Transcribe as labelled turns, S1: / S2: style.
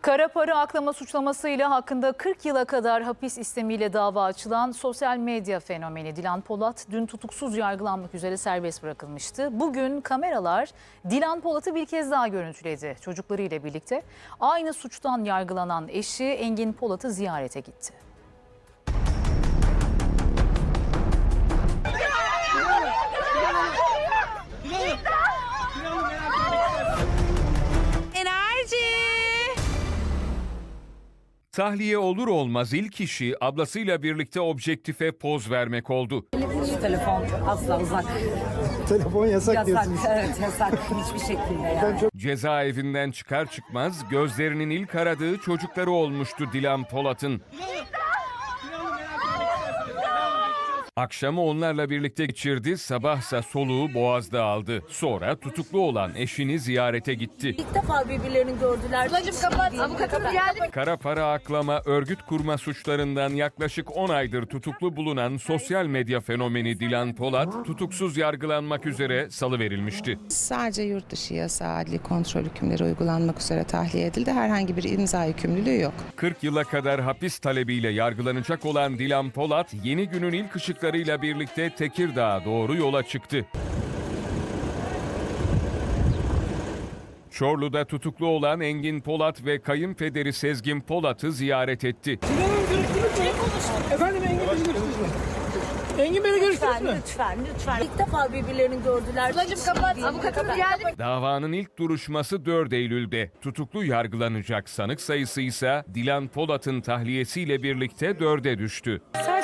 S1: Kara para aklama suçlamasıyla hakkında 40 yıla kadar hapis istemiyle dava açılan sosyal medya fenomeni Dilan Polat dün tutuksuz yargılanmak üzere serbest bırakılmıştı. Bugün kameralar Dilan Polat'ı bir kez daha görüntüledi. Çocuklarıyla birlikte aynı suçtan yargılanan eşi Engin Polat'ı ziyarete gitti.
S2: Tahliye olur olmaz ilk işi ablasıyla birlikte objektife poz vermek oldu.
S3: Telefon asla uzak.
S4: Telefon yasak diyorsunuz.
S3: Evet yasak hiçbir şekilde yani.
S2: Cezaevinden çıkar çıkmaz gözlerinin ilk aradığı çocukları olmuştu Dilan Polat'ın. Akşamı onlarla birlikte geçirdi, sabahsa soluğu boğazda aldı. Sonra tutuklu olan eşini ziyarete gitti.
S3: İlk defa birbirlerini gördüler.
S5: Ablacığım kapat, avukatımız geldi.
S2: Kara para aklama, örgüt kurma suçlarından yaklaşık 10 aydır tutuklu bulunan sosyal medya fenomeni Dilan Polat, tutuksuz yargılanmak üzere salıverilmişti.
S6: Sadece yurt dışı yasağı adli kontrol hükümleri uygulanmak üzere tahliye edildi. Herhangi bir imza yükümlülüğü yok.
S2: 40 yıla kadar hapis talebiyle yargılanacak olan Dilan Polat, yeni günün ilk ışıklarıyla birlikte Tekirdağ'a doğru yola çıktı. Çorlu'da tutuklu olan Engin Polat ve kayınpederi Sezgin Polat'ı ziyaret etti.
S4: Efendim Engin Bey'i görüştünüz mü? Engin Bey'i görüştünüz mü?
S3: Lütfen. İlk defa birbirlerini gördüler.
S5: Ablacığım kapat, avukatımız geldi.
S2: Davanın ilk duruşması 4 Eylül'de. Tutuklu yargılanacak sanık sayısı ise Dilan Polat'ın tahliyesiyle birlikte 4'e düştü.